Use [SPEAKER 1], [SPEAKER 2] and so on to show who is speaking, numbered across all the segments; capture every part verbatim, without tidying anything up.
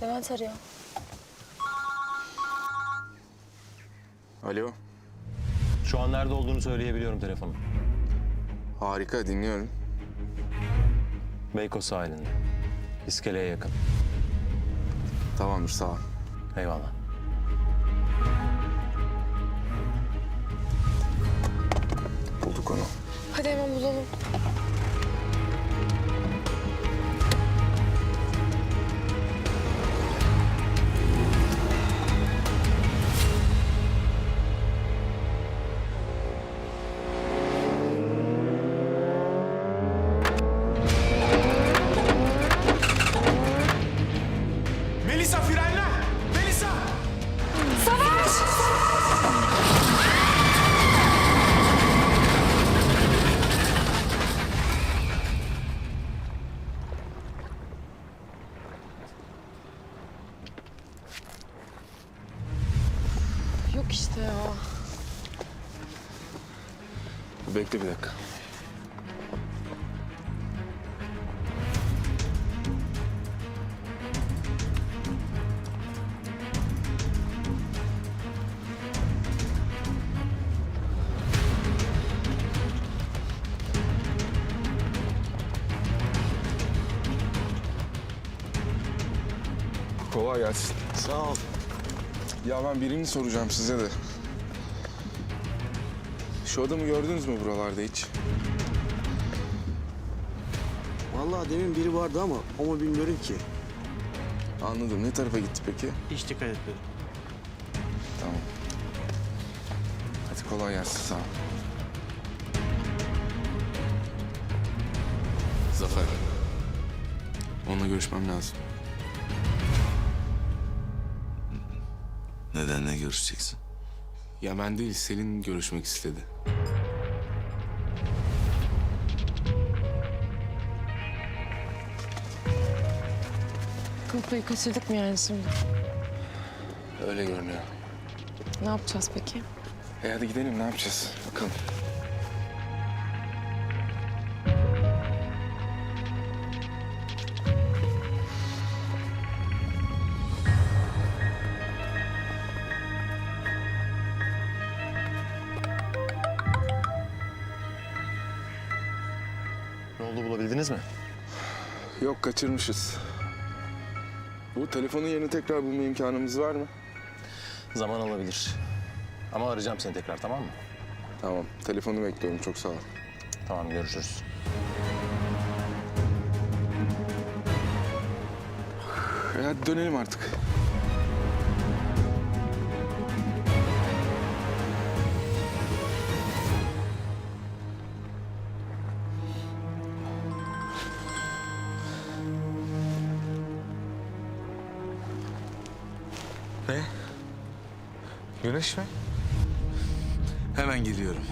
[SPEAKER 1] Levent arıyor.
[SPEAKER 2] Alo.
[SPEAKER 3] Şu an nerede olduğunu söyleyebiliyorum telefonu.
[SPEAKER 2] Harika, dinliyorum.
[SPEAKER 3] Beykoz sahilinde. İskeleye yakın.
[SPEAKER 2] Tamamdır, sağ ol.
[SPEAKER 3] Eyvallah.
[SPEAKER 2] Bulduk onu.
[SPEAKER 1] Hadi hemen bulalım.
[SPEAKER 4] Melisa frenle! Melisa!
[SPEAKER 1] Savaş! Yok işte ya.
[SPEAKER 2] Bekle bir dakika. Kolay gelsin.
[SPEAKER 4] Sağ ol.
[SPEAKER 2] Ya ben birini soracağım size de. Şu adamı gördünüz mü buralarda hiç?
[SPEAKER 5] Vallahi demin biri vardı ama o mu bilmiyorum ki.
[SPEAKER 2] Anladım. Ne tarafa gitti peki?
[SPEAKER 5] Hiç dikkat etmedim.
[SPEAKER 2] Tamam. Hadi kolay gelsin. Sağ ol. Zafer. Onunla görüşmem lazım.
[SPEAKER 6] Neden, ne görüşeceksin?
[SPEAKER 2] Ya ben değil, Selin görüşmek istedi.
[SPEAKER 1] Kapıyı kaçırdık mı yani şimdi?
[SPEAKER 2] Öyle görünüyor.
[SPEAKER 1] Ne yapacağız peki?
[SPEAKER 2] E hadi gidelim, ne yapacağız? Bakalım.
[SPEAKER 3] Ne oldu, bulabildiniz mi?
[SPEAKER 2] Yok, kaçırmışız. Bu telefonun yerini tekrar bulma imkanımız var mı?
[SPEAKER 3] Zaman alabilir. Ama arayacağım seni tekrar, tamam mı?
[SPEAKER 2] Tamam, telefonu bekliyorum. Çok sağ ol.
[SPEAKER 3] Tamam, görüşürüz.
[SPEAKER 2] E hadi dönelim artık.
[SPEAKER 6] Ne?
[SPEAKER 2] Güneş mi?
[SPEAKER 6] Hemen geliyorum.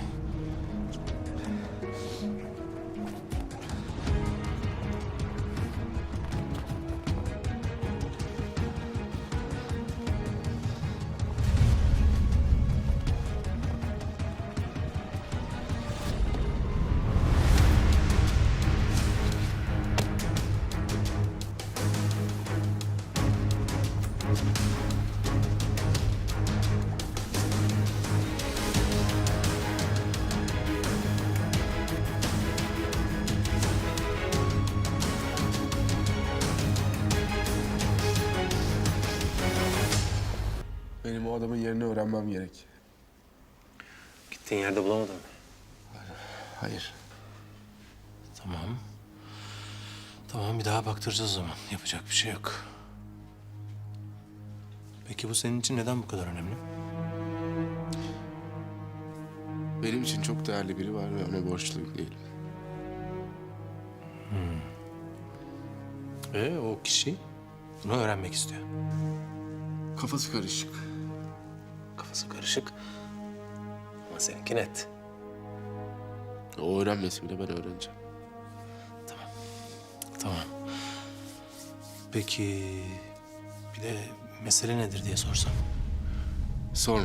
[SPEAKER 2] Benim o adamın yerini öğrenmem gerek.
[SPEAKER 3] Gittiğin yerde bulamadın mı?
[SPEAKER 2] Hayır.
[SPEAKER 7] Tamam. Tamam, bir daha baktıracağız o zaman. Yapacak bir şey yok. Peki bu senin için neden bu kadar önemli?
[SPEAKER 2] Benim için çok değerli biri var ve ona borçlu değilim.
[SPEAKER 7] Ee, o kişi bunu öğrenmek istiyor.
[SPEAKER 2] Kafası karışık.
[SPEAKER 7] Kafası karışık. Ama seninki net.
[SPEAKER 2] O öğrenmesi bile ben öğreneceğim.
[SPEAKER 7] Tamam. Peki bir de mesele nedir diye sorsam?
[SPEAKER 2] Sorma.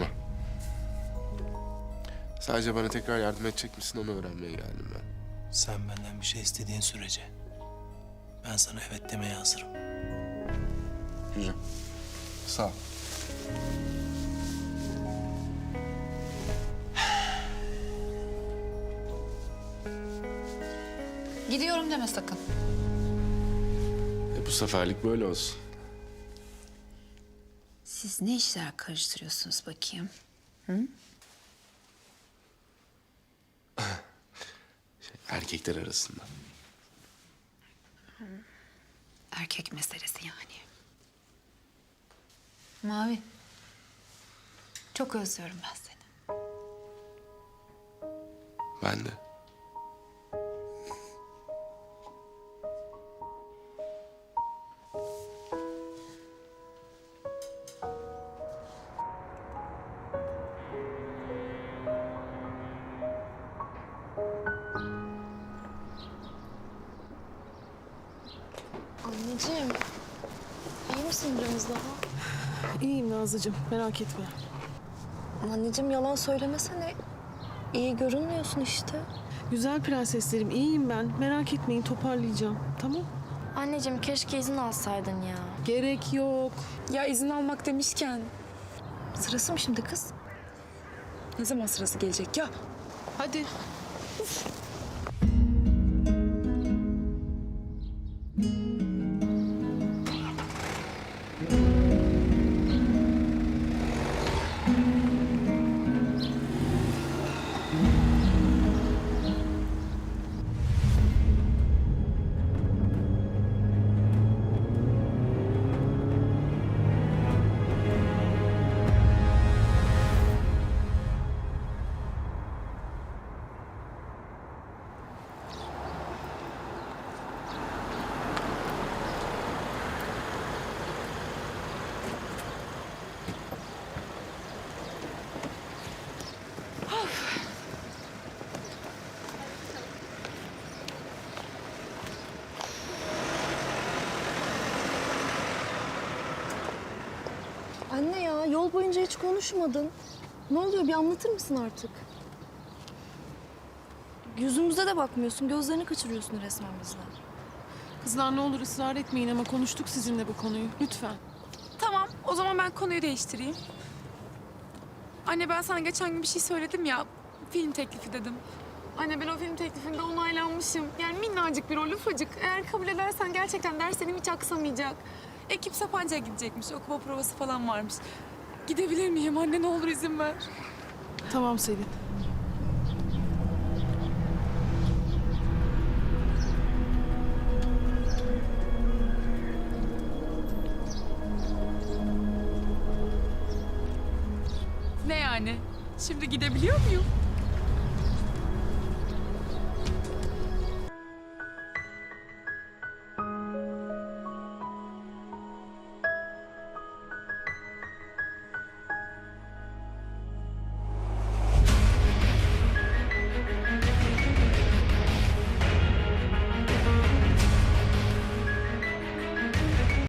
[SPEAKER 2] Sadece bana tekrar yardım edecek misin, onu öğrenmeye geldim ben.
[SPEAKER 7] Sen benden bir şey istediğin sürece ben sana evet demeye hazırım.
[SPEAKER 2] Güzel. Sağ ol.
[SPEAKER 8] Gidiyorum deme sakın.
[SPEAKER 2] E bu seferlik böyle olsun.
[SPEAKER 8] Siz ne işler karıştırıyorsunuz bakayım?
[SPEAKER 2] Erkekler arasında.
[SPEAKER 8] Erkek meselesi yani. Mavi. Çok özlüyorum ben seni.
[SPEAKER 2] Ben de.
[SPEAKER 1] Anneciğim, iyi misin biraz daha?
[SPEAKER 9] İyiyim Nazlıcığım, merak etme.
[SPEAKER 1] Anneciğim yalan söylemesene. İyi görünmüyorsun işte.
[SPEAKER 9] Güzel prenseslerim, iyiyim ben. Merak etmeyin, toparlayacağım. Tamam?
[SPEAKER 10] Anneciğim keşke izin alsaydın ya.
[SPEAKER 9] Gerek yok.
[SPEAKER 1] Ya izin almak demişken. Sırası mı şimdi kız? Ne zaman sırası gelecek ya?
[SPEAKER 9] Hadi.
[SPEAKER 1] Anne ya yol boyunca hiç konuşmadın. Ne oluyor bir anlatır mısın artık?
[SPEAKER 10] Yüzümüze de bakmıyorsun. Gözlerini kaçırıyorsun resmen bizden.
[SPEAKER 9] Kızlar ne olur ısrar etmeyin ama konuştuk sizinle bu konuyu. Lütfen.
[SPEAKER 11] Tamam, o zaman ben konuyu değiştireyim. Anne ben sana geçen gün bir şey söyledim ya, film teklifi dedim. Anne ben o film teklifinde onaylanmışım. Yani minnacık bir rol, ufacık. Eğer kabul edersen gerçekten derslerim hiç aksamayacak. Ekip Sapanca'ya gidecekmiş, okuma provası falan varmış. Gidebilir miyim anne, ne olur izin ver.
[SPEAKER 9] Tamam Selin.
[SPEAKER 11] Ne yani? Şimdi gidebiliyor muyum?